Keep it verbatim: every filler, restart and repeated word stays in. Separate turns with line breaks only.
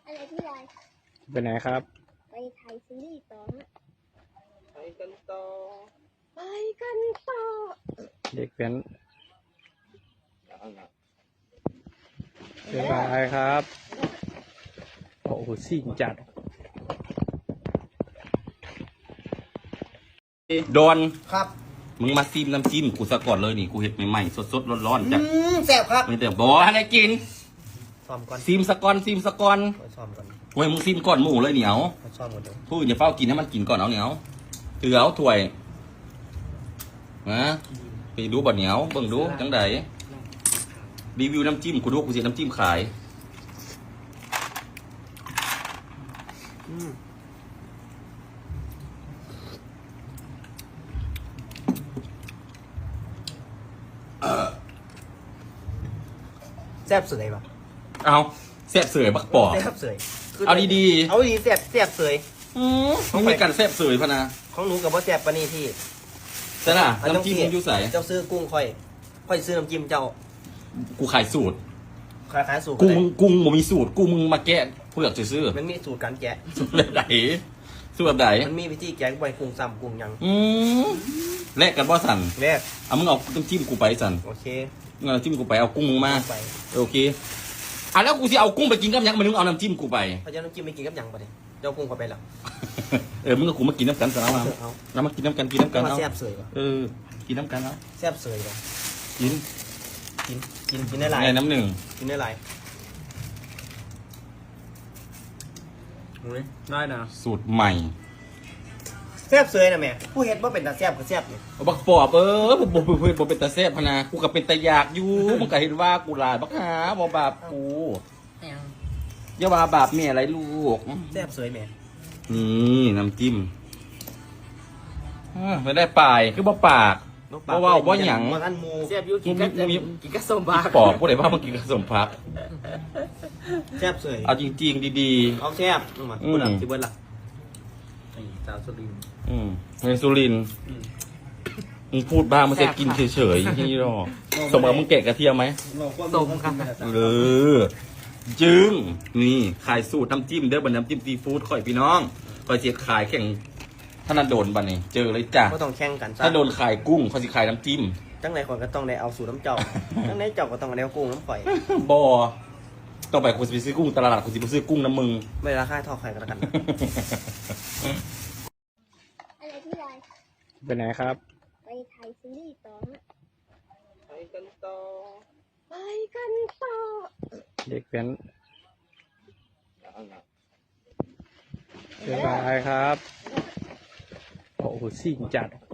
อะไรพี่ลอย
ไปไหนครับ
ไปถ่ายซีรีส์ต่อฮะ
ไปกันต่อ
ไปกันต่อ
เด็กเป็นบ๊ายบายครับโอ้โหซิ่งจัด
โดน
ครับ
มึงมาซิมน้ำจิ้มกูซะก่อนเลยนี่กูเห็ดใหม่ๆสดๆร้อนๆจ้ะ
แซ่บครับ
มึงแต่บอกให้ได้กิน
ซ้อมก่อน
ซิมสะก่อนซิมสะก่อน
ซ้อมก่อน
เว้ยมึงซิมก่อนหมูเลยเหนียว
ซ้อมก่อนเดี๋ยว
พูดอย่าเฝ้ากินให้มันกินก่อนเอาเหนียวถือเอาถ้วยนะไปดูบ่เหนียวเบิ่งดูจังไดรีวิวน้ำจิ้มกูดูกูเสียน้ำจิ้มขาย
แซ่บเสยป่ะ
เอาแซ่บเสยบักปอบ
แซ่บเสย
เอาดีๆ
เอาดีแซ่บแซ่บเสย
อืมมึงมีกันแซ่บเสยพะนะ
ของหนูกับว่าแซ่บปะนี่พี่
ใช่น่ะน้ำจิ้มมึงอยู่ใส่
เจ้าซื้อกุ้งค่อยค่อยซื้อน้ำจิ้มเจ้า
กูขายสูตร
ขายขายสูตร
กุ้งมึงกุ้งมึงมีสูตรกุ้งมึงมาแกะเพื่อจะซื้อ
มันมีสูตรการแกะ
สูตรแบบไหนสูตรแบบไหน
มันมีวิธีแกะบ่อยกุ้งซ้ำกุ้งยัง
อืมแลกกันบ่สั่น
แลก
เอามึงเอาน้ำจิ้มกูไปสั่น
โอเค
เงินน้ำจิ้มกูไปเอากุ้งมึงมาโอเคอ่ะแล้วกูสิเอากุ้งไปกินกับยังมันมึงเอาน้ำจิ้มกูไป
เพราะฉะนั้นน้ำจิ้มไม่กินกับยังปะเนี่ยเจ้ากุ้งก็ไปแล้ว
เออมึงกับกูมากินน้ำกันสั่นเอามาแล้วมากินน้ำกันกินน้ำกันเอา
แซ่บเสยป่ะ
เออกินน้ำกันเอา
แซ่บเสยป่ะ
กิน
กินกินกินได้หลาย
ไงน้ำหนึ่ง
กินได้หลาย
ได้นะ
สูตรใหม่
แซ่บเสยนะแม่ผู้เฮ็ดว่าเป็นตาแซ่บก็แซ่บเนี่ย
บักปอบเออผมบอกเพื่อนผมเป็นตาแซ่บพนะกูกับเป็นตาอยากอยู่มึงก็เห็นว่ากูหลายบักหาบ่บาปกูอย่าว่าบาปแม่อะไรลูก
แซ่บสวยแม่
นี่น้ำจิ้มไม่ได้ปลายคือบ่ปากบ่ว่าบ่หยัง
บ่ทันหมู
แซ่บอยู่กินกับกินกับส้มผัก
ปอบผู้ใดว่ามันกินกับส้มผัก
แซ่บสวย
เอาจริงๆดี
ๆเอาแซ่บมาพูดอ่ะสิเบิ้ลล่ะ
สาวสุรินทร์
อืมในสุรินทร์มึงพูดบ้างมันจะกินเฉยๆที่นี่หรอสมมติมึงแกะกระเทียมไหม
ส้มครับ
เออจึงนี่ขายสูตรน้ำจิ้มเด้อบันน้ำจิ้มซีฟู้ดข่อยพี่น้องข่อยเสียขายแข่งถ้านันโดนบันนี่เจอเลยจ้ะ
ก็ต้องแข่งกัน
ถ้าโดนขายกุ้งเขาสิขายน้ำจิ้ม
จังไรคนก็ต้องได้เอาสูตรน้ำเจ้าจังไรเจ้าก็ต้องได้เอากุ้งน้ำข่อย
บอต้องไปคุณสิไปซื้อกุ้งตลาดคุณสิไปซื้อกุ้งน้ำมึง
ไม่ราคาเท่าใครกันแล้วกัน
อะไรพี่ลอย
ไปไหนครับ
ไปถ่ายซีรีส์ต่อฮะ
ไปกันต่อ
ไปกันต่อ
เด็กเป็นบ๊ายบายครับโอ้โหซิ่งจัด